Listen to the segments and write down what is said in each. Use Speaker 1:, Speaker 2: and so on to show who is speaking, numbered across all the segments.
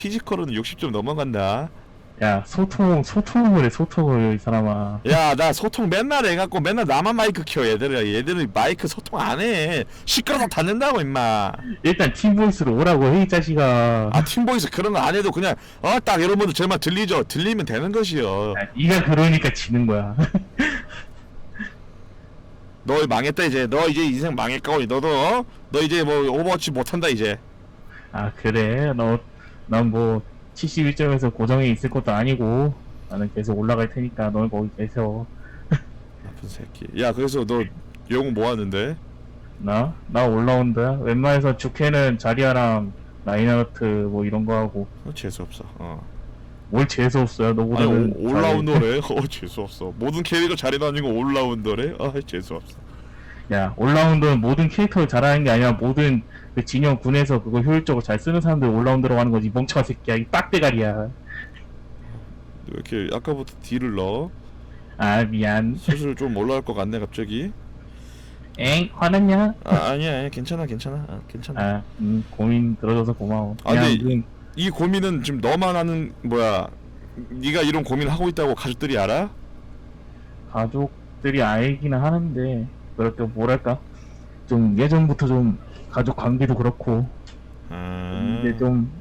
Speaker 1: 피지컬은 60점 넘어간다.
Speaker 2: 야, 소통을 해, 소통을, 이 사람아.
Speaker 1: 야, 나 소통 맨날 해갖고 맨날 나만 마이크 켜. 얘들은 마이크 소통 안 해. 시끄러서 닫는다고 임마.
Speaker 2: 일단 팀보이스로 오라고 해, 이 자식아.
Speaker 1: 아, 팀보이스 그런 거 안 해도 그냥 딱 여러분들 제 말 들리죠? 들리면 되는 것이요.
Speaker 2: 야, 네가 그러니까 지는 거야.
Speaker 1: 너 망했다 이제. 너 이제 인생 망했고 너 이제 뭐 오버워치 못한다 이제.
Speaker 2: 아, 그래? 난 뭐, 71점에서 고정해 있을 것도 아니고, 나는 계속 올라갈 테니까, 넌 거기 계셔.
Speaker 1: 나쁜 새끼. 야, 그래서 너 영웅 뭐 하는데?
Speaker 2: 나 올라온다. 웬만해서 주캐는 자리아랑 라인하르트 뭐 이런 거 하고.
Speaker 1: 재수 없어.
Speaker 2: 뭘 재수없어요,
Speaker 1: 아니
Speaker 2: 너보다는.
Speaker 1: 올라운더래. 재수 없어. 모든 캐릭터 자리 다니고 올라운더래. 재수 없어.
Speaker 2: 야, 올라운더는 모든 캐릭터를 잘하는 게 아니라 모든 그 진영 군에서 그거 효율적으로 잘 쓰는 사람들 올라운더라고 하는 거지. 멍청한 새끼야. 이 빡대가리야.
Speaker 1: 왜 이렇게 아까부터 딜을 넣어?
Speaker 2: 아, 미안.
Speaker 1: 슬슬 좀 올라갈 것 같네 갑자기.
Speaker 2: 엥? 화났냐?
Speaker 1: 아니야 괜찮아.
Speaker 2: 아, 고민 들어줘서 고마워.
Speaker 1: 근데
Speaker 2: 그냥
Speaker 1: 이 고민은 지금 너만 하는 뭐야? 네가 이런 고민을 하고 있다고 가족들이 알아?
Speaker 2: 가족들이 알기는 하는데, 그렇게 뭐랄까? 좀 예전부터 좀 가족 관계도 그렇고, 이제 좀,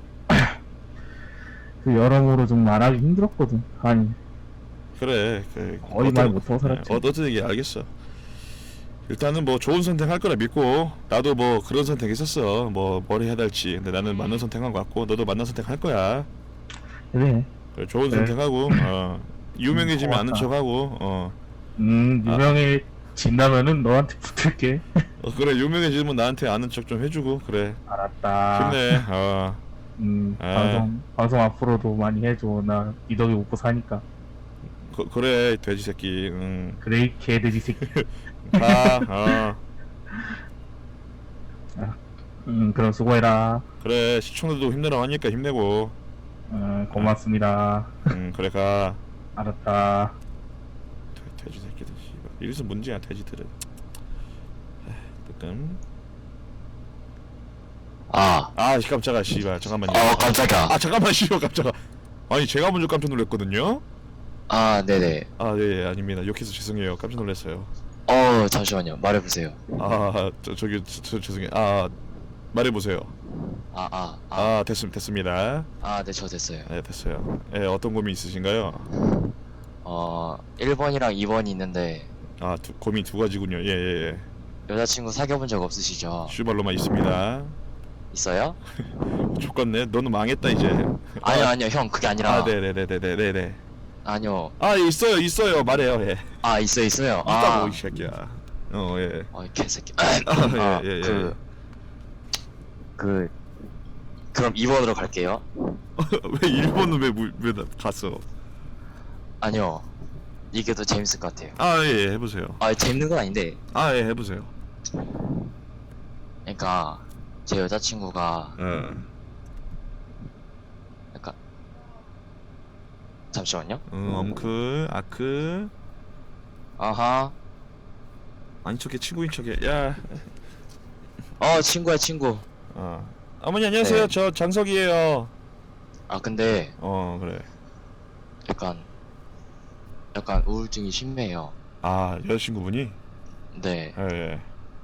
Speaker 2: 그 여러모로 좀 말하기 힘들었거든. 아니,
Speaker 1: 그래.
Speaker 2: 거의 말 못하고 살았지.
Speaker 1: 어떤 얘기 알겠어. 일단은 뭐 좋은 선택할 거라 믿고 나도 뭐 그런 선택했었어. 뭘 해야 될지. 근데 나는 맞는 선택한 것 같고 너도 맞는 선택할 거야.
Speaker 2: 그래.
Speaker 1: 그래, 좋은
Speaker 2: 그래.
Speaker 1: 선택하고 유명해지면 아는
Speaker 2: 고맙다.
Speaker 1: 척하고
Speaker 2: 유명해진다면은 너한테 붙을게.
Speaker 1: 그래 유명해지면 나한테 아는 척 좀 해주고 그래.
Speaker 2: 알았다.
Speaker 1: 힘내.
Speaker 2: 방송 앞으로도 많이 해줘. 나 이 덕에 먹고 사니까.
Speaker 1: 그래 돼지 새끼.
Speaker 2: 그래, 이 개돼지 새끼.
Speaker 1: 가.
Speaker 2: 그럼 수고해라.
Speaker 1: 그래 시청자도 힘내라 하니까 힘내고.
Speaker 2: 고맙습니다.
Speaker 1: 그래 가.
Speaker 2: 알았다.
Speaker 1: 돼지 새끼들 씨발. 이래서 문제야 돼지들은. 뜨끔. 깜짝아 씨발 잠깐만요.
Speaker 3: 깜짝이야.
Speaker 1: 잠깐만 씨발 깜짝아. 아니 제가 먼저 깜짝 놀랐거든요.
Speaker 3: 네네.
Speaker 1: 네 아닙니다. 욕해서 죄송해요. 깜짝 놀랐어요.
Speaker 3: 잠시만요. 말해보세요.
Speaker 1: 죄송해요. 말해보세요. 됐습니다.
Speaker 3: 네, 저 됐어요.
Speaker 1: 네 됐어요. 어떤 고민 있으신가요?
Speaker 3: 1번이랑 2번이 있는데,
Speaker 1: 고민 두 가지군요. 예.
Speaker 3: 여자친구 사귀어본 적 없으시죠?
Speaker 1: 슈발로만 있습니다.
Speaker 3: 있어요?
Speaker 1: 족같네. 너는 망했다 이제.
Speaker 3: 아니요, 형, 그게 아니라.
Speaker 1: 네네네네네네.
Speaker 3: 아니요.
Speaker 1: 있어요. 말해요. 예.
Speaker 3: 있어요.
Speaker 1: 있다고 이 새끼야. 예.
Speaker 3: 이 개새끼.
Speaker 1: 예.
Speaker 3: 그럼 2번으로 갈게요.
Speaker 1: 왜 일본은 왜 갔어?
Speaker 3: 아니요. 이게 더 재밌을 것 같아요.
Speaker 1: 예, 해보세요.
Speaker 3: 재밌는 건 아닌데,
Speaker 1: 예, 해보세요.
Speaker 3: 그러니까, 제 여자친구가, 약간, 잠시만요.
Speaker 1: 아크.
Speaker 3: 아하.
Speaker 1: 아니 척해 친구인 척해. 야.
Speaker 3: 친구야, 친구.
Speaker 1: 어머니 안녕하세요.
Speaker 3: 네.
Speaker 1: 저 장석이에요.
Speaker 3: 근데,
Speaker 1: 그래.
Speaker 3: 약간 우울증이 심해요.
Speaker 1: 여자친구분이?
Speaker 3: 네.
Speaker 1: 예.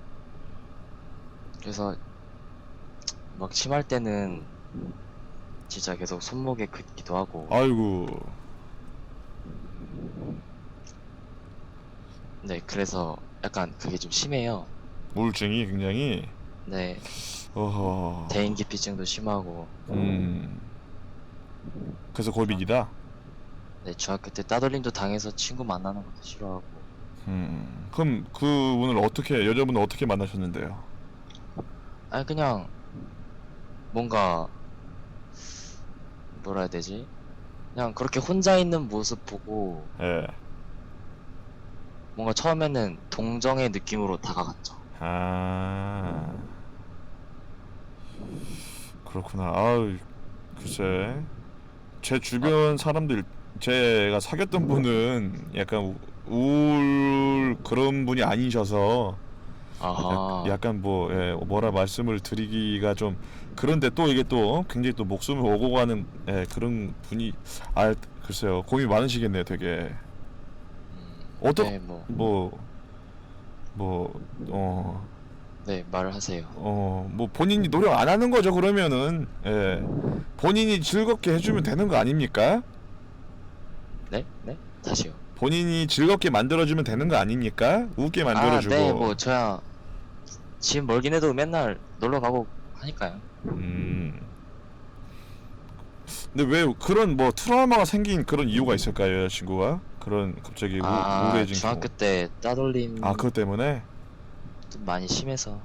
Speaker 3: 그래서 막 심할 때는 진짜 계속 손목에 긋기도 하고.
Speaker 1: 아이고.
Speaker 3: 네, 그래서 약간 그게 좀 심해요.
Speaker 1: 우울증이 굉장히.
Speaker 3: 네.
Speaker 1: 어허.
Speaker 3: 대인기피증도 심하고.
Speaker 1: 그래서 고민이다.
Speaker 3: 네, 중학교 때 따돌림도 당해서 친구 만나는 것도 싫어하고.
Speaker 1: 그럼 여자분을 어떻게 만나셨는데요?
Speaker 3: 그냥 뭔가 뭐라 해야 되지? 그냥 그렇게 혼자 있는 모습 보고
Speaker 1: 예.
Speaker 3: 뭔가 처음에는 동정의 느낌으로 다가갔죠.
Speaker 1: 그렇구나. 글쎄. 제 주변 사람들, 제가 사귀었던 분은 약간 우울 그런 분이 아니셔서
Speaker 3: 아하.
Speaker 1: 약간 뭐라 말씀을 드리기가 좀 그런데 또 이게 또 굉장히 또 목숨을 오고 가는 그런 분이 글쎄요 고민이 많으시겠네요 되게. 어떤
Speaker 3: 네, 뭐,
Speaker 1: 뭐
Speaker 3: 네, 말을 하세요.
Speaker 1: 뭐 본인이 노력 안 하는 거죠 그러면은. 본인이 즐겁게 해주면 되는 거 아닙니까?
Speaker 3: 네? 네? 다시요.
Speaker 1: 본인이 즐겁게 만들어주면 되는 거 아닙니까? 웃게 만들어주고.
Speaker 3: 네, 뭐 저야 집 멀긴 해도 맨날 놀러 가고 하니까요.
Speaker 1: 근데 왜 그런 뭐 트라우마가 생긴 그런 이유가 있을까요, 여자친구가? 그런 갑자기 우울해진
Speaker 3: 중학교 때 따돌림
Speaker 1: 그것 때문에?
Speaker 3: 좀 많이 심해서.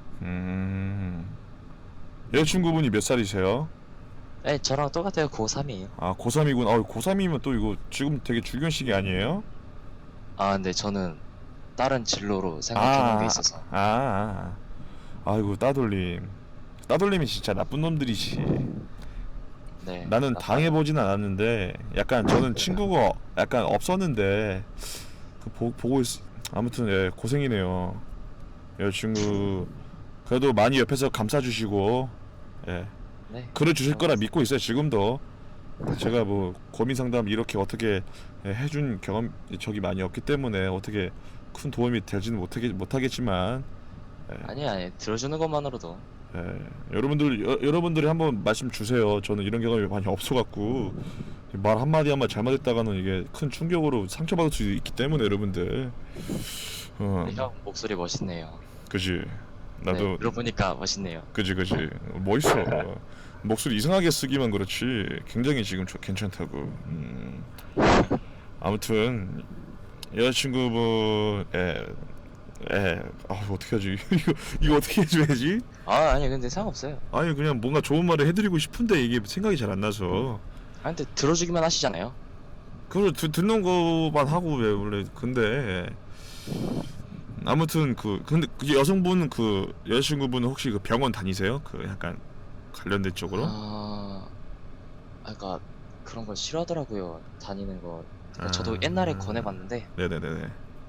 Speaker 1: 여자친구분이 몇 살이세요?
Speaker 3: 네, 저랑 똑같아요. 고3이에요.
Speaker 1: 아, 고3이군. 고3이면 또 이거 지금 되게 중요한 시기 아니에요?
Speaker 3: 근데 저는 다른 진로로 생각해놓은 게 있어서.
Speaker 1: 아이고, 따돌림. 따돌림이 진짜 나쁜 놈들이지.
Speaker 3: 네.
Speaker 1: 나는 당해보진 않았는데, 약간 저는 친구가 약간 없었는데, 보고 아무튼, 고생이네요. 여자친구, 그래도 많이 옆에서 감싸주시고,
Speaker 3: 네.
Speaker 1: 글을 주실 거라 믿고 있어요, 지금도. 제가 뭐, 고민 상담 이렇게 어떻게 해준 적이 많이 없기 때문에, 어떻게 큰 도움이 되지는 못하겠지만,
Speaker 3: 아니, 들어주는 것만으로도.
Speaker 1: 여러분들이 한번 말씀 주세요. 저는 이런 경험이 많이 없어갖고 말 한마디 잘못했다가는 이게 큰 충격으로 상처받을 수 있기 때문에 여러분들.
Speaker 3: 형 목소리 멋있네요.
Speaker 1: 그지. 나도.
Speaker 3: 네, 들어보니까 멋있네요.
Speaker 1: 그지. 멋있어. 목소리 이상하게 쓰기만 그렇지 굉장히 지금 괜찮다고. 아무튼 여자친구분 어떻게 하지? 이거 어떻게 해줘야지?
Speaker 3: 아니 근데 상관없어요.
Speaker 1: 아니 그냥 뭔가 좋은 말을 해드리고 싶은데 이게 생각이 잘 안 나서.
Speaker 3: 근데 들어주기만 하시잖아요.
Speaker 1: 그걸 듣는 거만 하고 왜 원래. 근데 아무튼 근데 그 여성분 여자친구분은 혹시 그 병원 다니세요? 그 약간 관련된 쪽으로?
Speaker 3: 그러니까 그런 걸 싫어하더라고요. 다니는 거. 그러니까 저도 옛날에 권해봤는데.
Speaker 1: 네네네.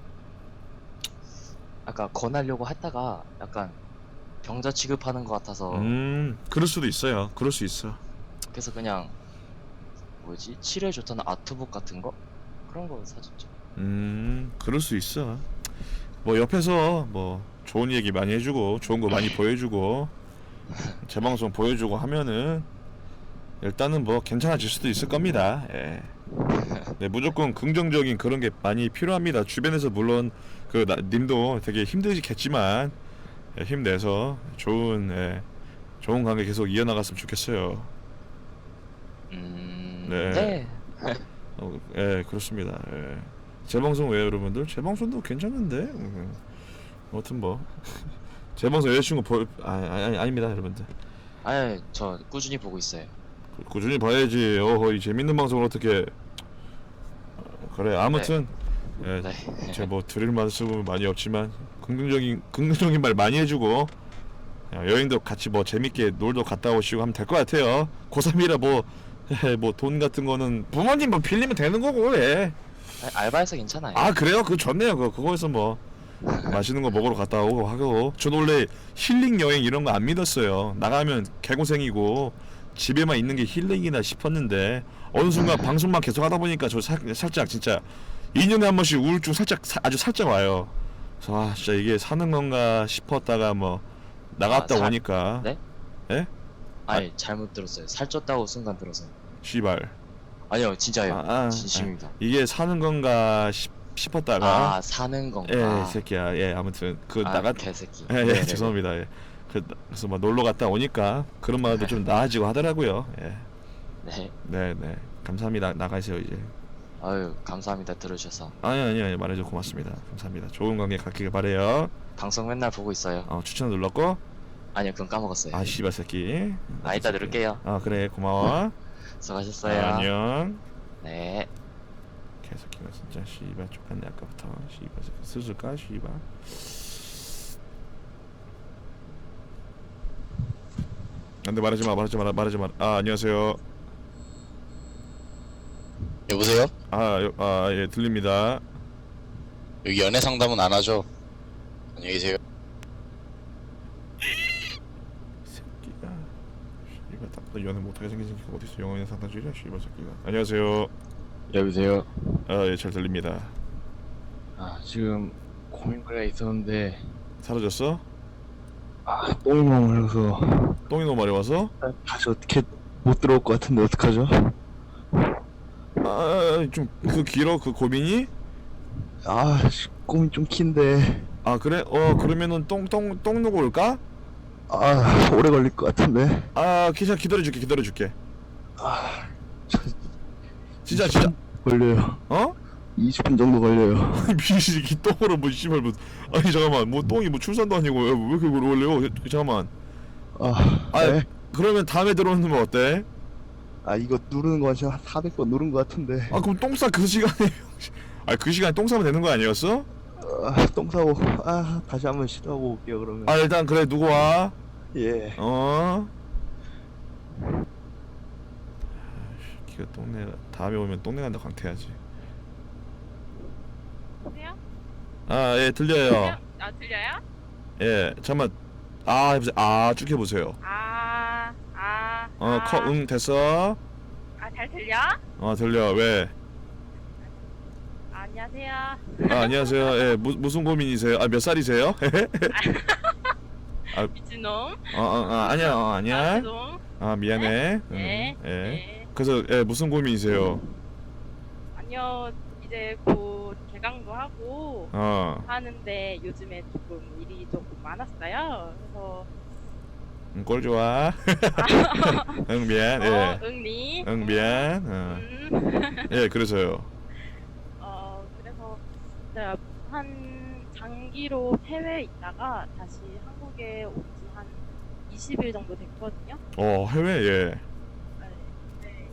Speaker 3: 아까 권하려고 했다가 약간 병자 취급하는 것 같아서.
Speaker 1: 그럴 수도 있어요. 그럴 수 있어.
Speaker 3: 그래서 그냥 치료에 좋다는 아트북 같은 거 그런 거 사줬죠.
Speaker 1: 그럴 수 있어. 뭐 옆에서 뭐 좋은 얘기 많이 해주고 좋은 거 많이 보여주고 재방송 보여주고 하면은 일단은 뭐 괜찮아질 수도 있을 겁니다. 네, 무조건 긍정적인 그런 게 많이 필요합니다. 주변에서 물론 님도 되게 힘드시겠지만 힘내서 좋은 관계 계속 이어나갔으면 좋겠어요.
Speaker 3: 네.
Speaker 1: 그렇습니다. 재방송 왜요, 여러분들? 재방송도 괜찮은데. 아무튼 뭐 재방송 여자친구 아닙니다, 여러분들.
Speaker 3: 저 꾸준히 보고 있어요.
Speaker 1: 꾸준히 봐야지. 이 재밌는 방송을 어떻게. 그래, 아무튼 제가 뭐 드릴 말씀은 많이 없지만 긍정적인 말 많이 해주고 여행도 같이 뭐 재밌게 놀도 갔다 오시고 하면 될 것 같아요. 고3이라 뭐 돈 같은 거는 부모님 뭐 빌리면 되는 거고.
Speaker 3: 알바해서 괜찮아요.
Speaker 1: 그래요? 그거 좋네요. 그거에서 뭐 맛있는 거 먹으러 갔다 오고 하고. 저도 원래 힐링 여행 이런 거 안 믿었어요. 나가면 개고생이고 집에만 있는 게 힐링이나 싶었는데 어느 순간 방송만 계속 하다 보니까 저 살짝 진짜 2년에 한 번씩 우울증 아주 살짝 와요. 그래서 진짜 이게 사는 건가 싶었다가 뭐 나갔다 오니까.
Speaker 3: 네?
Speaker 1: 예?
Speaker 3: 잘못 들었어요. 살쪘다고 순간 들어서.
Speaker 1: 씨발.
Speaker 3: 아니요, 진짜요. 진심입니다.
Speaker 1: 이게 사는 건가 싶었다가.
Speaker 3: 사는 건가.
Speaker 1: 이 새끼야. 아무튼
Speaker 3: 개새끼.
Speaker 1: 죄송합니다. 그래서 막 놀러 갔다 오니까 그런 마음도 좀 나아지고 하더라고요. 네. 감사합니다. 나가세요 이제.
Speaker 3: 감사합니다. 들어주셔서.
Speaker 1: 아니 말해줘 고맙습니다. 감사합니다. 좋은 관계 갖기를 바래요.
Speaker 3: 방송 맨날 보고 있어요.
Speaker 1: 추천 눌렀고.
Speaker 3: 아니요, 그건 까먹었어요.
Speaker 1: 씨발 새끼.
Speaker 3: 이따 누를게요.
Speaker 1: 그래 고마워.
Speaker 3: 수고하셨어요.
Speaker 1: 안녕.
Speaker 3: 네.
Speaker 1: 개새끼가 진짜 씨발 족같네 아까부터. 씨발 쓰실까 씨발. 안돼 말하지 마. 안녕하세요.
Speaker 4: 여보세요?
Speaker 1: 예 들립니다.
Speaker 4: 여기 연애 상담은 안 하죠? 안녕히 계세요.
Speaker 1: 새끼가 연애 못하게 생긴 새끼가 어딨어. 영어인 상담주의자 씨발 새끼가. 안녕하세요.
Speaker 5: 여보세요.
Speaker 1: 예, 잘 들립니다.
Speaker 5: 지금 고민거리가 있었는데
Speaker 1: 사라졌어?
Speaker 5: 똥이 너무 흘러서
Speaker 1: 똥이 너무 많이 와서?
Speaker 5: 다시 어떻게 못 들어올 것 같은데 어떡하죠?
Speaker 1: 좀 그 길어 그 고민이?
Speaker 5: 고민 좀 긴데
Speaker 1: 그래? 그러면은 똥 누고 올까?
Speaker 5: 오래 걸릴 것 같은데.
Speaker 1: 기자 기다려줄게.
Speaker 5: 저
Speaker 1: 진짜
Speaker 5: 20분 걸려요. 20분 정도 걸려요.
Speaker 1: 미식이 똥으로 뭐 씨발 뭐 아니 잠깐만 뭐 똥이 뭐 출산도 아니고 왜 이렇게 오래 걸려? 잠깐만.
Speaker 5: 네?
Speaker 1: 그러면 다음에 들어오는 건 어때?
Speaker 5: 이거 누르는 거 진짜 한 400번 누른 것 같은데.
Speaker 1: 그럼 똥 싸 그 시간에 그 시간에 똥 싸면 되는 거 아니었어?
Speaker 5: 똥 싸고 다시 한번 시도하고 올게요 그러면.
Speaker 1: 일단 그래 누구 와?
Speaker 5: 예.
Speaker 1: 기가 똥내 다음에 오면 똥내 간다 광태야지.
Speaker 6: 여보세요?
Speaker 1: 예 들려요.
Speaker 6: 들려요?
Speaker 1: 예 잠깐만 해보세요. 쭉 해보세요. 됐어.
Speaker 6: 잘 들려?
Speaker 1: 들려. 왜?
Speaker 6: 안녕하세요.
Speaker 1: 안녕하세요. 예 무슨 고민이세요? 몇 살이세요?
Speaker 6: 미친놈.
Speaker 1: 아니야.
Speaker 6: 죄송.
Speaker 1: 미안해.
Speaker 6: 네.
Speaker 1: 예.
Speaker 6: 네.
Speaker 1: 그래서 무슨 고민이세요?
Speaker 6: 아니요, 이제 곧 개강도 하고 하는데 요즘에 조금 일이 조금 많았어요. 그래서
Speaker 1: 꼴 좋아. 응 미안. 예.
Speaker 6: 응리.
Speaker 1: 응 미안. 예 그래서요.
Speaker 6: 그래서 제가 한 장기로 해외에 있다가 다시 한국에 온 지 한 20일 정도 됐거든요.
Speaker 1: 해외 예.
Speaker 6: 네.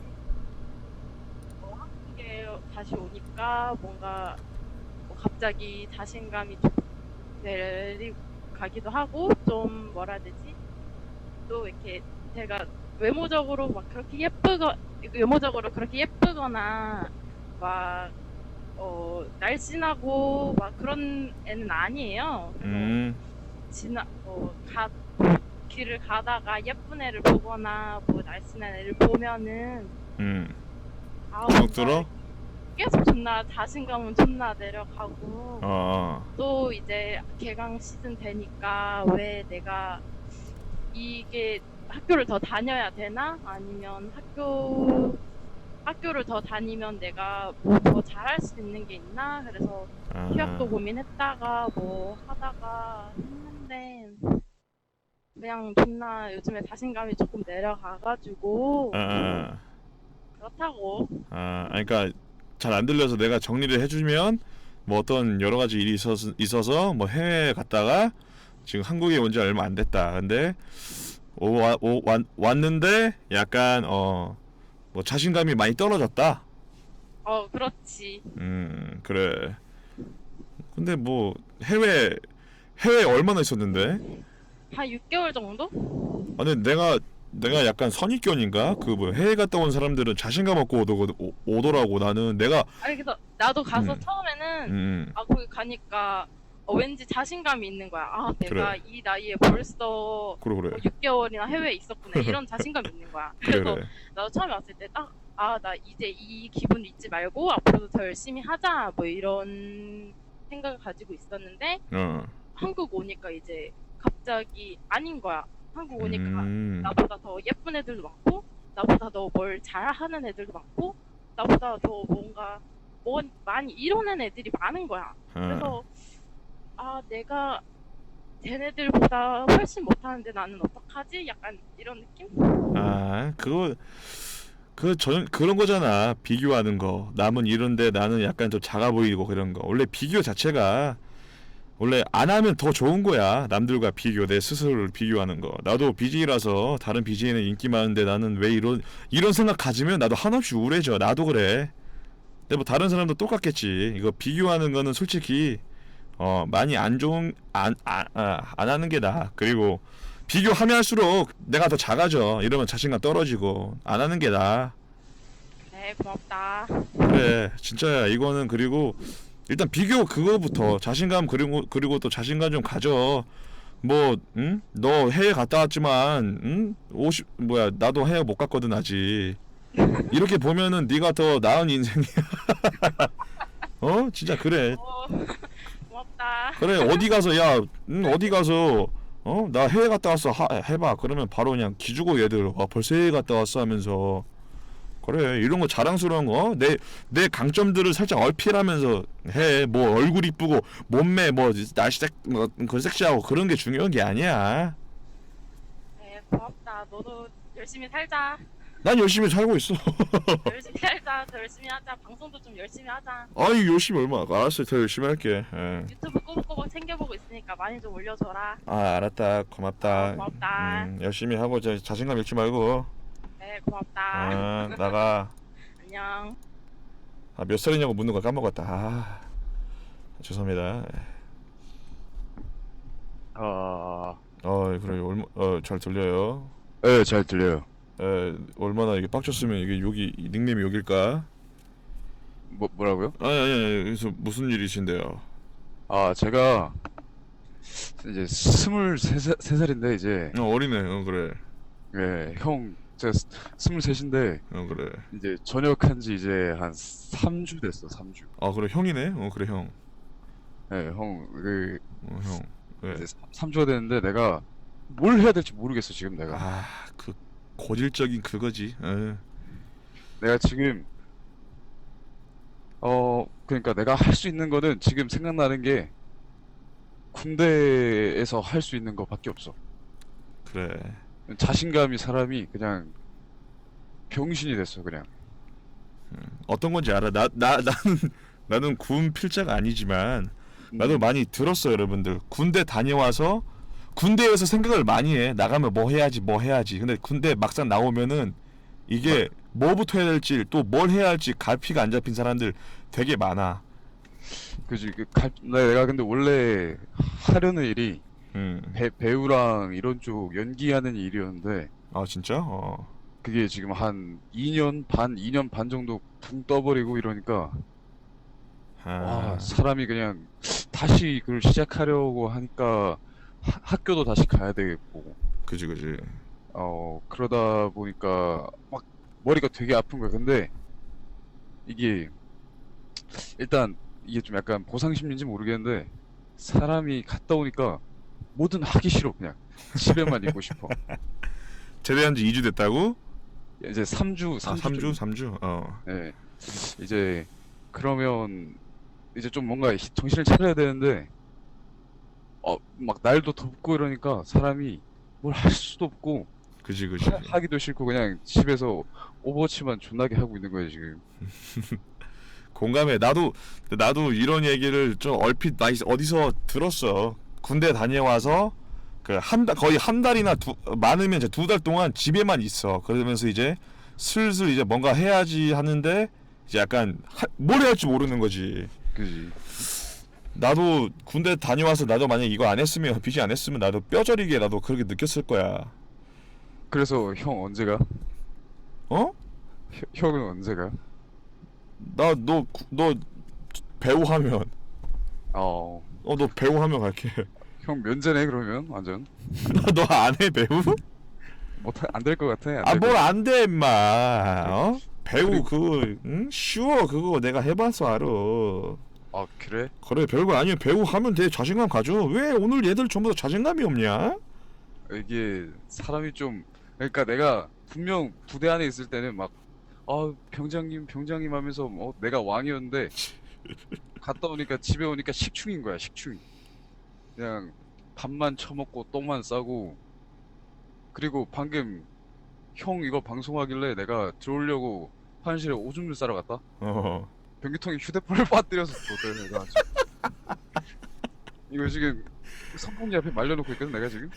Speaker 6: 한국에 다시 오니까 뭔가 갑자기 자신감이 좀 내려가기도 하고 좀 뭐라 해야 되지? 또 이렇게 제가 외모적으로 그렇게 예쁘거나 막 날씬하고 막 그런 애는 아니에요. 길을 가다가 예쁜 애를 보거나 뭐 날씬한 애를 보면은
Speaker 1: 주눅 들어?
Speaker 6: 계속 존나 자신감은 존나 내려가고 또 이제 개강 시즌 되니까 왜 내가 이게 학교를 더 다녀야 되나? 아니면 학교를 더 다니면 내가 뭐 더 잘할 수 있는 게 있나? 그래서 휴학도 고민했다가 뭐 하다가 했는데 그냥 존나 요즘에 자신감이 조금 내려가가지고 그렇다고.
Speaker 1: 그러니까 잘 안 들려서 내가 정리를 해주면 뭐 어떤 여러 가지 일이 있어서 뭐 해외에 갔다가 지금 한국에 온 지 얼마 안 됐다. 근데 왔는데 약간 뭐 자신감이 많이 떨어졌다.
Speaker 6: 그렇지.
Speaker 1: 그래. 근데 뭐 해외에 얼마나 있었는데?
Speaker 6: 한 6개월 정도?
Speaker 1: 근데 내가 약간 선입견인가? 그 뭐 해외 갔다 온 사람들은 자신감 없고 오더라고. 나는 내가
Speaker 6: 그래서 나도 가서 처음에는 거기 가니까 왠지 자신감이 있는 거야. 내가
Speaker 1: 그래.
Speaker 6: 이 나이에 벌써
Speaker 1: 그래.
Speaker 6: 6개월이나 해외에 있었구나. 이런 자신감이 있는 거야. 그래서 나도 처음에 왔을 때 딱 나 이제 이 기분 잊지 말고 앞으로도 더 열심히 하자. 뭐 이런 생각을 가지고 있었는데 한국 오니까 이제 갑자기 아닌 거야. 한국 오니까 나보다 더 예쁜 애들도 많고 나보다 더 뭘 잘하는 애들도 많고 나보다 더 뭔가 많이 이뤄낸 애들이 많은 거야. 그래서 내가 쟤네들보다 훨씬 못하는데 나는 어떡하지? 약간 이런 느낌?
Speaker 1: 그런 거잖아. 비교하는 거. 남은 이런데 나는 약간 좀 작아 보이고 그런 거. 원래 비교 자체가 원래 안 하면 더 좋은 거야. 남들과 비교, 내 스스로를 비교하는 거. 나도 BJ라서 다른 BJ는 인기 많은데 나는 왜 이런 생각 가지면 나도 한없이 우울해져. 나도 그래. 근데 뭐 다른 사람도 똑같겠지. 이거 비교하는 거는 솔직히 많이 안 하는 게 나아. 그리고 비교하면 할수록 내가 더 작아져. 이러면 자신감 떨어지고 안 하는 게 나아.
Speaker 6: 네, 고맙다.
Speaker 1: 그래 진짜야. 이거는 그리고 일단 비교 그거부터 자신감 그리고 또 자신감 좀 가져. 뭐, 응? 너 해외 갔다 왔지만, 응? 50 뭐야, 나도 해외 못 갔거든 아직. 이렇게 보면은 네가 더 나은 인생이야. 어? 진짜 그래.
Speaker 6: 고맙다.
Speaker 1: 그래 어디 가서 야, 어디 가서 나 해외 갔다 왔어 해봐. 그러면 바로 그냥 기주고 얘들 벌써 해외 갔다 왔어 하면서 그래 이런 거 자랑스러운 거 내 강점들을 살짝 어필하면서 해. 뭐 얼굴 이쁘고 몸매 뭐 날씨 그 섹시하고 그런 게 중요한 게 아니야.
Speaker 6: 네, 고맙다. 너도 열심히 살자.
Speaker 1: 난 열심히 살고 있어.
Speaker 6: 열심히 살자. 더 열심히 하자. 방송도 좀 열심히 하자.
Speaker 1: 아이 열심히 얼마 알았어. 더 열심히 할게. 예.
Speaker 6: 유튜브 꼬박꼬박 챙겨보고 있으니까 많이 좀 올려줘라.
Speaker 1: 아 알았다. 고맙다.
Speaker 6: 고맙다.
Speaker 1: 열심히 하고 자신감 잃지 말고.
Speaker 6: 네, 고맙다.
Speaker 1: 아 나가.
Speaker 6: 안녕.
Speaker 1: 아, 몇 살이냐고 묻는 거 까먹었다. 아, 죄송합니다. 그래 잘 들려요.
Speaker 5: 네, 잘 들려요.
Speaker 1: 얼마나 이게 빡쳤으면 이게 여기 닉네임이 여길까?
Speaker 5: 뭐라고요?
Speaker 1: 아니. 그래서 무슨 일이신데요?
Speaker 5: 아, 제가 이제 23살인데 이제
Speaker 1: 어리네. 그래.
Speaker 5: 예, 형 제가 23인데
Speaker 1: 그래.
Speaker 5: 이제 전역한 지 이제 한 3주 됐어, 3주.
Speaker 1: 아, 그래 형이네. 그래 형.
Speaker 5: 예, 형,
Speaker 1: 형. 왜?
Speaker 5: 이제 3주가 됐는데 내가 뭘 해야 될지 모르겠어, 지금 내가.
Speaker 1: 아, 그 고질적인 그거지.
Speaker 5: 내가 지금 그러니까 내가 할 수 있는 거는 지금 생각나는 게 군대에서 할 수 있는 거밖에 없어.
Speaker 1: 그래.
Speaker 5: 자신감이 사람이 그냥 병신이 됐어, 그냥.
Speaker 1: 어떤 건지 알아. 나는 군 필자가 아니지만 나도 많이 들었어. 여러분들 군대 다녀와서 군대에서 생각을 많이 해. 나가면 뭐 해야지. 근데 군대 막상 나오면은 이게 뭐부터 해야 될지 또 뭘 해야 할지 갈피가 안 잡힌 사람들 되게 많아.
Speaker 5: 그지. 내가 근데 원래 하려는 일이 배우랑 이런 쪽 연기하는 일이었는데
Speaker 1: 아 진짜?
Speaker 5: 그게 지금 한 2년 반 정도 붕 떠버리고 이러니까 사람이 그냥 다시 그걸 시작하려고 하니까 학교도 다시 가야 되겠고
Speaker 1: 그지.
Speaker 5: 그러다 보니까 막 머리가 되게 아픈 거야. 근데 이게 일단 이게 좀 약간 보상심리인지 모르겠는데 사람이 갔다 오니까 뭐든 하기 싫어. 그냥 집에만 있고 싶어.
Speaker 1: 제대한 지 2주 됐다고?
Speaker 5: 이제 3주.
Speaker 1: 3주?
Speaker 5: 네. 이제 그러면 이제 좀 뭔가 정신을 차려야 되는데 막 날도 덥고 이러니까 사람이 뭘 할 수도 없고
Speaker 1: 그지.
Speaker 5: 하기도 싫고 그냥 집에서 오버워치만 존나게 하고 있는 거야 지금.
Speaker 1: 공감해. 나도 이런 얘기를 좀 얼핏 어디서 들었어. 군대 다녀와서 거의 한 달이나 많으면 이제 2달 동안 집에만 있어. 그러면서 이제 슬슬 이제 뭔가 해야지 하는데 이제 약간 뭘 해야 할지 모르는 거지.
Speaker 5: 그지.
Speaker 1: 나도 군대 다녀와서 나도 만약 이거 안 했으면 비지 안 했으면 나도 뼈저리게 나도 그렇게 느꼈을 거야.
Speaker 5: 그래서 형 언제 가?
Speaker 1: 어?
Speaker 5: 형은 언제 가?
Speaker 1: 너 배우 하면
Speaker 5: 어.
Speaker 1: 너 배우 하면 갈게.
Speaker 5: 형 면제네 그러면 완전.
Speaker 1: 너 안 해 배우?
Speaker 5: 안 될 것 같아.
Speaker 1: 아 뭘 안 돼 임마. 배우 그거 쉬워. 그거 내가 해봐서 알아.
Speaker 5: 아 그래?
Speaker 1: 그래 별거 아니야. 배우 하면 돼. 자신감 가져. 왜 오늘 얘들 전부 다 자신감이 없냐?
Speaker 5: 이게 사람이 좀 그러니까 내가 분명 부대 안에 있을 때는 막 병장님 하면서 내가 왕이었는데 갔다 오니까 집에 오니까 식충인 거야. 식충. 그냥 밥만 처먹고 똥만 싸고. 그리고 방금 형 이거 방송하길래 내가 들어오려고 화장실에 오줌을 싸러 갔다. 변기통에 휴대폰을 빠뜨려서 또 내가 이거 지금 선풍기 앞에 말려놓고 있거든 내가 지금.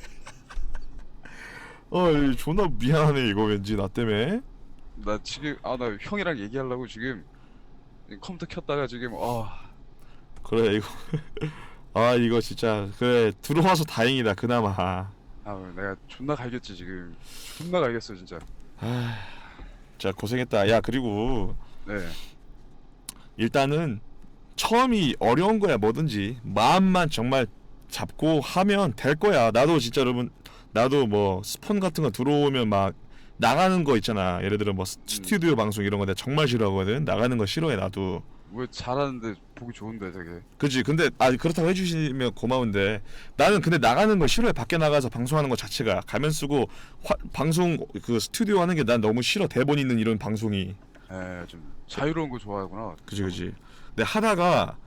Speaker 1: 존나 미안하네 이거 왠지 나 때문에.
Speaker 5: 나 지금 나 형이랑 얘기하려고 지금 컴퓨터 켰다가 지금
Speaker 1: 그래 이거 이거 진짜 그래 들어와서 다행이다 그나마.
Speaker 5: 내가 존나 갈겼지 지금. 존나 갈겼어 진짜.
Speaker 1: 자 고생했다. 야 그리고
Speaker 5: 네.
Speaker 1: 일단은 처음이 어려운 거야 뭐든지. 마음만 정말 잡고 하면 될 거야. 나도 진짜 여러분, 나도 뭐 스폰 같은 거 들어오면 막 나가는 거 있잖아. 예를 들어 뭐 스튜디오 방송 이런 거 내가 정말 싫어하거든. 나가는 거 싫어해 나도.
Speaker 5: 왜 잘하는데 보기 좋은데 되게.
Speaker 1: 그치. 근데 그렇다고 해주시면 고마운데 나는 근데 나가는 거 싫어해. 밖에 나가서 방송하는 거 자체가 가면 쓰고 방송 그 스튜디오 하는 게 난 너무 싫어. 대본 있는 이런 방송이.
Speaker 5: 좀 자유로운 거 좋아하구나.
Speaker 1: 그치. 근데 하다가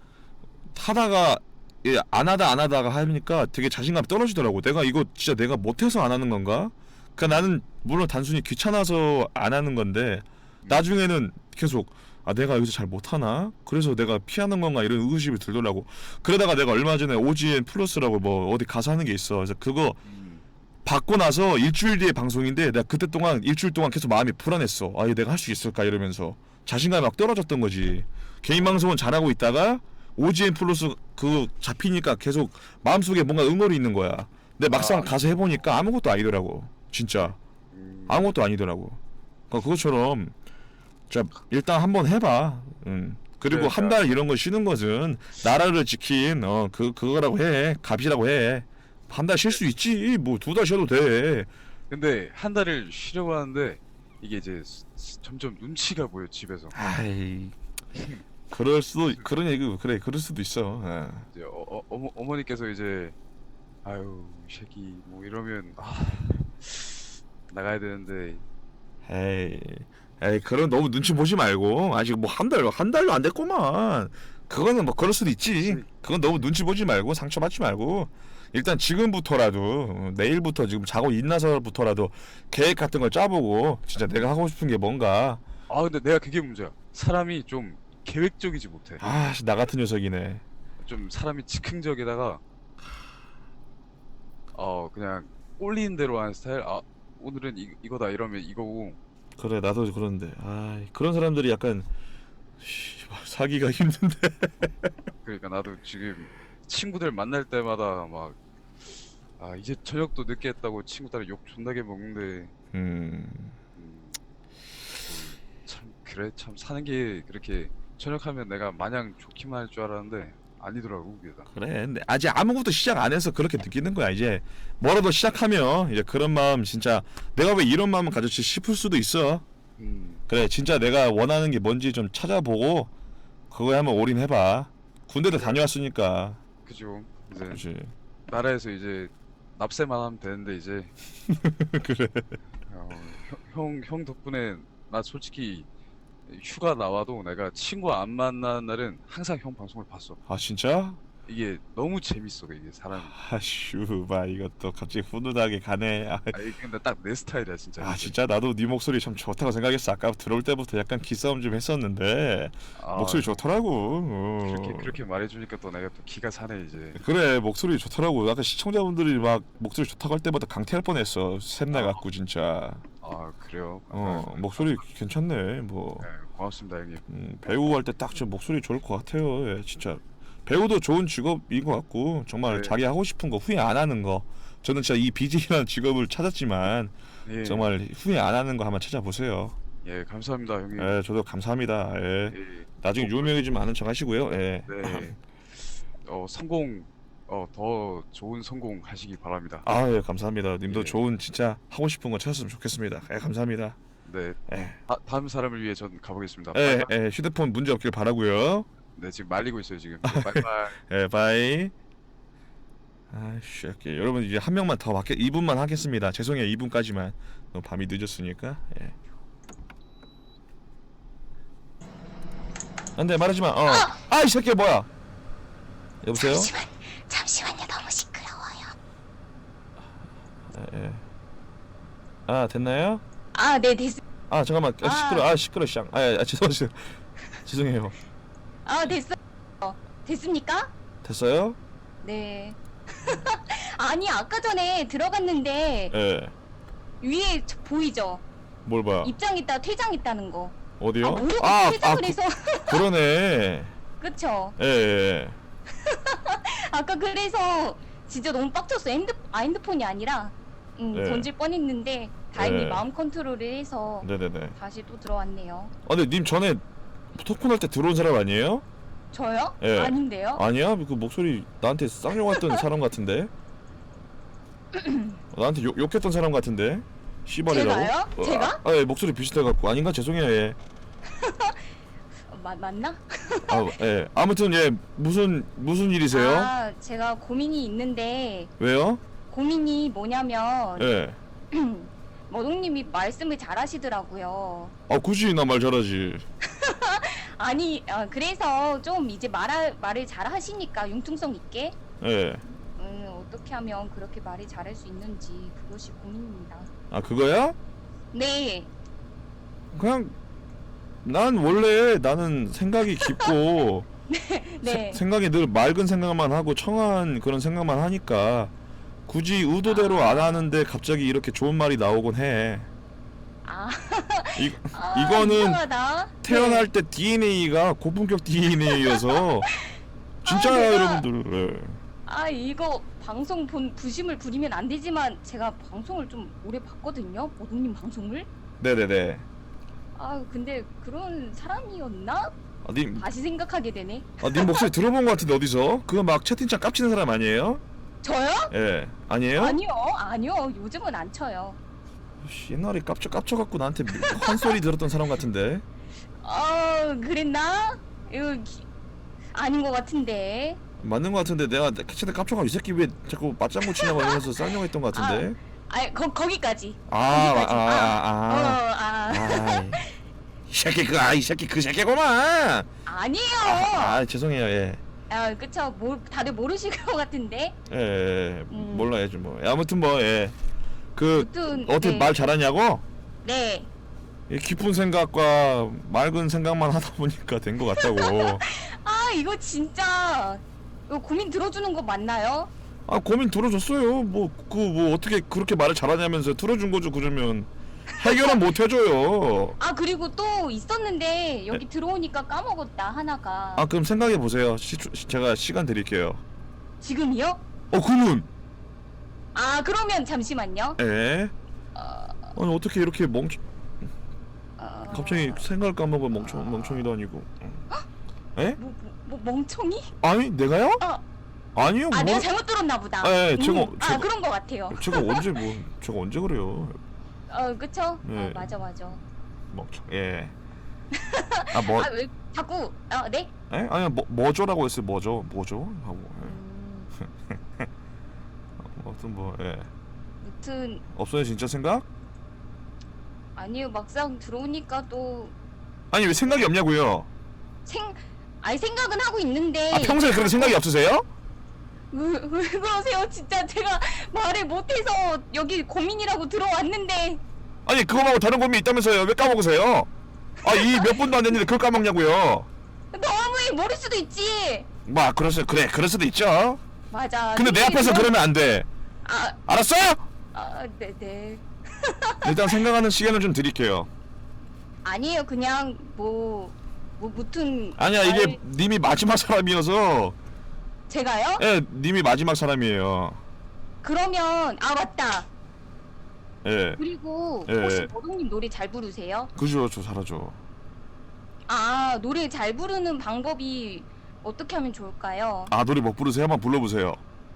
Speaker 1: 안 하다가 하니까 되게 자신감이 떨어지더라고. 내가 이거 진짜 내가 못해서 안 하는 건가? 그러니까 나는 물론 단순히 귀찮아서 안 하는 건데 나중에는 계속 내가 여기서 잘 못하나? 그래서 내가 피하는 건가? 이런 의구심이 들더라고. 그러다가 내가 얼마 전에 OGN 플러스라고 뭐 어디 가서 하는 게 있어. 그래서 그거 받고 나서 일주일 뒤에 방송인데 내가 그때 동안 일주일 동안 계속 마음이 불안했어. 이거 내가 할 수 있을까? 이러면서 자신감이 막 떨어졌던 거지. 개인 방송은 잘하고 있다가 OGN 플러스 그 잡히니까 계속 마음속에 뭔가 응어리 있는 거야. 근데 막상 가서 해보니까 아무것도 아니더라고. 진짜 아무것도 아니더라고. 그러니까 그것처럼 자 일단 한번 해봐. 그리고
Speaker 5: 네,
Speaker 1: 한 달 이런 거 쉬는 것은 나라를 지킨 그거라고 해. 값이라고 해. 한 달 쉴 수 있지. 뭐 2달 쉬어도 돼.
Speaker 5: 근데 한 달을 쉬려고 하는데 이게 이제 점점 눈치가 보여 집에서.
Speaker 1: 아이 그럴 수도 그런 얘기 그래 그럴 수도 있어.
Speaker 5: 이제 어머니께서 이제 아유 이 새끼 뭐 이러면 나가야 되는데.
Speaker 1: 에이 그런 너무 눈치 보지 말고 아직 뭐 한 달도 안 됐구만. 그거는 뭐 그럴 수도 있지. 그건 너무 눈치 보지 말고 상처받지 말고 일단 지금부터라도 내일부터 지금 자고 일어나서부터라도 계획 같은 걸 짜보고 진짜 내가 하고 싶은 게 뭔가.
Speaker 5: 근데 내가 그게 문제야. 사람이 좀 계획적이지 못해.
Speaker 1: 나 같은 녀석이네.
Speaker 5: 좀 사람이 즉흥적에다가 그냥 꼴리는 대로 하는 스타일. 오늘은 이거다 이러면 이거고.
Speaker 1: 그래 나도 그런데 그런 사람들이 약간 사기가 힘든데.
Speaker 5: 그러니까 나도 지금 친구들 만날 때마다 막 이제 저녁도 늦게 했다고 친구들 욕 존나게 먹는데 참 그래 참 사는 게 그렇게 저녁하면 내가 마냥 좋기만 할 줄 알았는데 아니더라고 그게 다.
Speaker 1: 그래 근데 아직 아무것도 시작 안 해서 그렇게 느끼는 거야. 이제 뭐라도 시작하면 이제 그런 마음 진짜 내가 왜 이런 마음을 가졌지 싶을 수도 있어. 그래 진짜 내가 원하는 게 뭔지 좀 찾아보고 그거에 한번 올인해봐. 군대도 다녀왔으니까.
Speaker 5: 그죠. 이제
Speaker 1: 그렇지.
Speaker 5: 나라에서 이제 납세만 하면 되는데 이제
Speaker 1: 그래.
Speaker 5: 형 덕분에 나 솔직히 휴가 나와도 내가 친구 안 만나는 날은 항상 형 방송을 봤어.
Speaker 1: 진짜?
Speaker 5: 이게 너무 재밌어 이게 사람이.
Speaker 1: 슈바 이것도 갑자기 훈훈하게 가네.
Speaker 5: 이게 근데 딱 내 스타일이야 진짜. 이게.
Speaker 1: 진짜 나도 네 목소리 참 좋다고 생각했어. 아까 들어올 때부터 약간 기싸움 좀 했었는데 목소리 좋더라고.
Speaker 5: 그렇게 말해주니까 또 내가 또 기가 차네 이제.
Speaker 1: 그래 목소리 좋더라고. 아까 시청자분들이 막 목소리 좋다고 할 때마다 강퇴할 뻔했어. 샘나 갖고 진짜.
Speaker 5: 그래요?
Speaker 1: 목소리 괜찮네. 뭐
Speaker 5: 네, 고맙습니다 형님.
Speaker 1: 배우 할 때 딱 저 목소리 좋을 것 같아요. 예, 진짜 배우도 좋은 직업인 것 같고 정말
Speaker 5: 네.
Speaker 1: 자기 하고 싶은 거 후회 안 하는 거. 저는 진짜 이 BJ라는 직업을 찾았지만
Speaker 5: 예.
Speaker 1: 정말 후회 안 하는 거 한번 찾아보세요.
Speaker 5: 예 감사합니다 형님.
Speaker 1: 예, 저도 감사합니다. 예.
Speaker 5: 예.
Speaker 1: 나중에 유명해지면 아는 척 하시고요. 예.
Speaker 5: 네. 성공 더 좋은 성공 하시기 바랍니다.
Speaker 1: 예, 감사합니다. 님도
Speaker 5: 예.
Speaker 1: 좋은 진짜 하고 싶은 거 찾았으면 좋겠습니다. 예, 감사합니다.
Speaker 5: 네.
Speaker 1: 예.
Speaker 5: 다음 사람을 위해 전 가보겠습니다.
Speaker 1: 예,
Speaker 5: 바이바이.
Speaker 1: 예, 휴대폰 문제 없길 바라고요.
Speaker 5: 네 지금 말리고 있어요 지금. 네, 바이바이.
Speaker 1: 예, 바이. 여러분 이제 한 명만 더 2분만 하겠습니다. 죄송해요. 2분까지만. 너무 밤이 늦었으니까. 예. 안돼 말하지 마. 이 새끼 뭐야? 여보세요?
Speaker 7: 잠시만요. 너무 시끄러워요.
Speaker 1: 예. 됐나요?
Speaker 7: 네, 됐습니다.
Speaker 1: 잠깐만. 시끄러. 죄송해요.
Speaker 7: 됐어요. 됐습니까?
Speaker 1: 됐어요?
Speaker 7: 네. 아니, 아까 전에 들어갔는데
Speaker 1: 예.
Speaker 7: 위에 보이죠?
Speaker 1: 뭘 봐?
Speaker 7: 입장 있다, 퇴장 있다는 거.
Speaker 1: 어디요?
Speaker 7: 모르고 퇴장을 해서.
Speaker 1: 그러네.
Speaker 7: 그쵸?
Speaker 1: 예.
Speaker 7: 아까 그래서 진짜 너무 빡쳤어요. 핸드폰이 아니라
Speaker 1: 네.
Speaker 7: 던질 뻔했는데 다행히
Speaker 1: 네.
Speaker 7: 마음 컨트롤을 해서
Speaker 1: 네네네.
Speaker 7: 다시 또 들어왔네요.
Speaker 1: 근데 님 전에 토큰 할 때 들어온 사람 아니에요?
Speaker 7: 저요?
Speaker 1: 예.
Speaker 7: 아닌데요?
Speaker 1: 아니야? 그 목소리 나한테 쌍욕했던 사람 같은데? 나한테 욕했던 사람 같은데? 씨발이라고?
Speaker 7: 제가요? 제가?
Speaker 1: 예, 목소리 비슷해갖고 아닌가? 죄송해요. 예.
Speaker 7: 맞나?
Speaker 1: 예. 아무튼 예, 무슨 일이세요?
Speaker 7: 아, 제가 고민이 있는데
Speaker 1: 왜요?
Speaker 7: 고민이 뭐냐면
Speaker 1: 예.
Speaker 7: 머동님이 말씀을 잘하시더라고요.
Speaker 1: 아, 굳이 나 말 잘하지.
Speaker 7: 아니, 그래서 좀 이제 말을 잘하시니까 융통성 있게
Speaker 1: 예.
Speaker 7: 어떻게 하면 그렇게 말을 잘할 수 있는지 그것이 고민입니다.
Speaker 1: 아, 그거야?
Speaker 7: 네,
Speaker 1: 그냥 난 원래 나는 생각이 깊고
Speaker 7: 네.
Speaker 1: 생각이 늘 맑은 생각만 하고 청한 그런 생각만 하니까 굳이 의도대로 안 하는데 갑자기 이렇게 좋은 말이 나오곤 해.
Speaker 7: 아,
Speaker 1: 이거는
Speaker 7: 이상하다.
Speaker 1: 태어날
Speaker 7: 네.
Speaker 1: 때 DNA가 고품격 DNA여서 진짜요,
Speaker 7: 내가-
Speaker 1: 여러분들. 예.
Speaker 7: 아, 이거 방송 부심을 부리면 안 되지만 제가 방송을 좀 오래 봤거든요. 머동님 방송을.
Speaker 1: 네네네.
Speaker 7: 아, 근데 그런 사람이었나?
Speaker 1: 님
Speaker 7: 다시 생각하게 되네.
Speaker 1: 님 목소리 들어본 것 같은데 어디서? 그거 막 채팅창 깝치는 사람 아니에요?
Speaker 7: 저요?
Speaker 1: 예. 아니에요?
Speaker 7: 아니요. 요즘은 안 쳐요.
Speaker 1: 씨, 옛날에 깝쳐갖고 나한테 한 소리 들었던 사람 같은데.
Speaker 7: 그랬나? 이거 아닌 것 같은데.
Speaker 1: 맞는 것 같은데 내가 캐치한테 깝쳐가 이 새끼 왜 자꾸 맞장구 치냐고 이러면서 쌍욕했던 것 같은데.
Speaker 7: 거기까지.
Speaker 1: 이 새끼 이 새끼 그 새끼구만.
Speaker 7: 아니에요.
Speaker 1: 죄송해요. 예.
Speaker 7: 그쵸. 다들 모르실 것 같은데.
Speaker 1: 예. 몰라야지 뭐. 아무튼 뭐 예. 그
Speaker 7: 아무튼,
Speaker 1: 어떻게
Speaker 7: 네.
Speaker 1: 말 잘하냐고?
Speaker 7: 네.
Speaker 1: 이 깊은 생각과 맑은 생각만 하다 보니까 된 것 같다고.
Speaker 7: 이거 진짜 이거 고민 들어주는 거 맞나요?
Speaker 1: 고민 들어줬어요. 뭐 어떻게 그렇게 말을 잘하냐면서 들어준 거죠. 그러면 해결은 못 해줘요.
Speaker 7: 그리고 또 있었는데 여기 들어오니까 까먹었다 하나가.
Speaker 1: 그럼 생각해 보세요. 제가 시간 드릴게요.
Speaker 7: 지금이요?
Speaker 1: 그러면
Speaker 7: 그러면 잠시만요.
Speaker 1: 예. 아니 어떻게 이렇게 갑자기 생각을 까먹어 멍청이도 아니고. 예?
Speaker 7: 뭐 멍청이?
Speaker 1: 아니 내가요? 아니요.
Speaker 7: 내가 잘못 들었나 보다.
Speaker 1: 예, 제가
Speaker 7: 그런 거 같아요.
Speaker 1: 제가 언제 그래요?
Speaker 7: 그쵸?
Speaker 1: 네.
Speaker 7: 맞아.
Speaker 1: 멍청. 예.
Speaker 7: 왜 자꾸 네?
Speaker 1: 예? 아니 뭐죠라고 했어요. 뭐죠 하고. 예. 아무튼 뭐 예.
Speaker 7: 무튼
Speaker 1: 없어요 진짜 생각?
Speaker 7: 아니요, 막상 들어오니까 또
Speaker 1: 아니 왜 생각이 없냐고요?
Speaker 7: 생각은 하고 있는데.
Speaker 1: 평소에 그렇게 생각이 없으세요?
Speaker 7: 왜 그러세요? 진짜 제가 말을 못해서 여기 고민이라고 들어왔는데.
Speaker 1: 아니 그거 말고 다른 고민 있다면서요? 왜 까먹으세요? 이 몇 분도 안 됐는데 그걸 까먹냐고요?
Speaker 7: 너무 모를 수도 있지.
Speaker 1: 그럴 수도 있죠.
Speaker 7: 맞아.
Speaker 1: 근데 내 앞에서 그러면 안 돼. 알았어?
Speaker 7: 네.
Speaker 1: 일단 생각하는 시간을 좀 드릴게요.
Speaker 7: 아니에요. 그냥 무튼.
Speaker 1: 아니야 이게 님이 마지막 사람이어서.
Speaker 7: 제가요?
Speaker 1: 예, 님이 마지막 사람이에요.
Speaker 7: 그러면 맞다.
Speaker 1: 예.
Speaker 7: 그리고
Speaker 1: 예.
Speaker 7: 혹시 머동님 노래 잘 부르세요?
Speaker 1: 그죠, 저 잘하죠.
Speaker 7: 노래 잘 부르는 방법이 어떻게 하면 좋을까요?
Speaker 1: 노래 못 부르세요? 한번 불러보세요.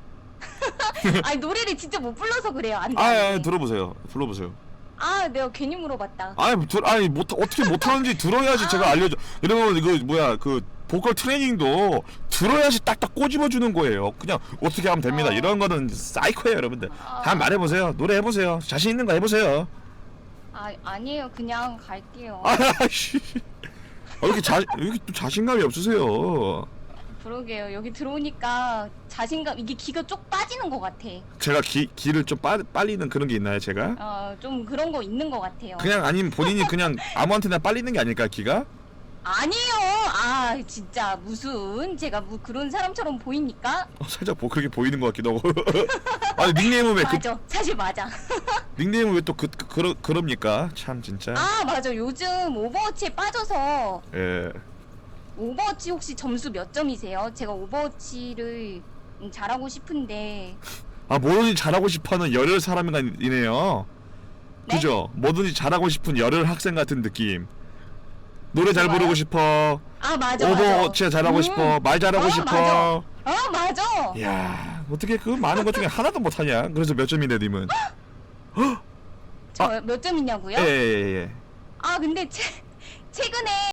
Speaker 7: 노래를 진짜 못 불러서 그래요. 안 돼.
Speaker 1: 들어보세요. 불러보세요.
Speaker 7: 내가 괜히 물어봤다.
Speaker 1: 어떻게 못하는지 들어야지 제가 알려줘. 이러면 이거 보컬 트레이닝도 들어야지 딱딱 꼬집어주는 거예요. 그냥 어떻게 하면 됩니다. 이런 거는 사이코예요, 여러분들. 다 말해보세요. 노래 해보세요. 자신 있는 거 해보세요.
Speaker 7: 아니에요. 그냥 갈게요.
Speaker 1: 왜 이렇게 또 자신감이 없으세요?
Speaker 7: 그러게요. 여기 들어오니까 자신감, 이게 기가 쪽 빠지는 것 같아.
Speaker 1: 제가 기를 좀 빨리는 그런 게 있나요, 제가?
Speaker 7: 좀 그런 거 있는 것 같아요.
Speaker 1: 그냥 아니면 본인이 그냥 아무한테나 빨리는 게 아닐까, 기가?
Speaker 7: 아니에요. 진짜 무슨 제가 그런 사람처럼 보입니까?
Speaker 1: 살짝 그렇게 보이는 것 같기도 하고. 아니 닉네임은 왜
Speaker 7: 맞아. 사실 맞아.
Speaker 1: 닉네임은 왜 또 그럽니까? 참 진짜.
Speaker 7: 맞아. 요즘 오버워치에 빠져서.
Speaker 1: 예.
Speaker 7: 오버워치 혹시 점수 몇 점이세요? 제가 오버워치를 잘하고 싶은데.
Speaker 1: 뭐든지 잘하고 싶어하는 열혈 사람이네요.
Speaker 7: 네?
Speaker 1: 그죠? 뭐든지 잘하고 싶은 열혈 학생 같은 느낌. 노래 잘
Speaker 7: 좋아요?
Speaker 1: 부르고 싶어.
Speaker 7: 아 맞아
Speaker 1: 오버워치 잘하고 싶어. 말 잘하고 싶어.
Speaker 7: 맞아.
Speaker 1: 야, 어떻게 그 많은 것 중에 하나도 못하냐? 그래서 몇 점인데 님은?
Speaker 7: 저 몇 점 있냐고요?
Speaker 1: 예.
Speaker 7: 아 근데 최근에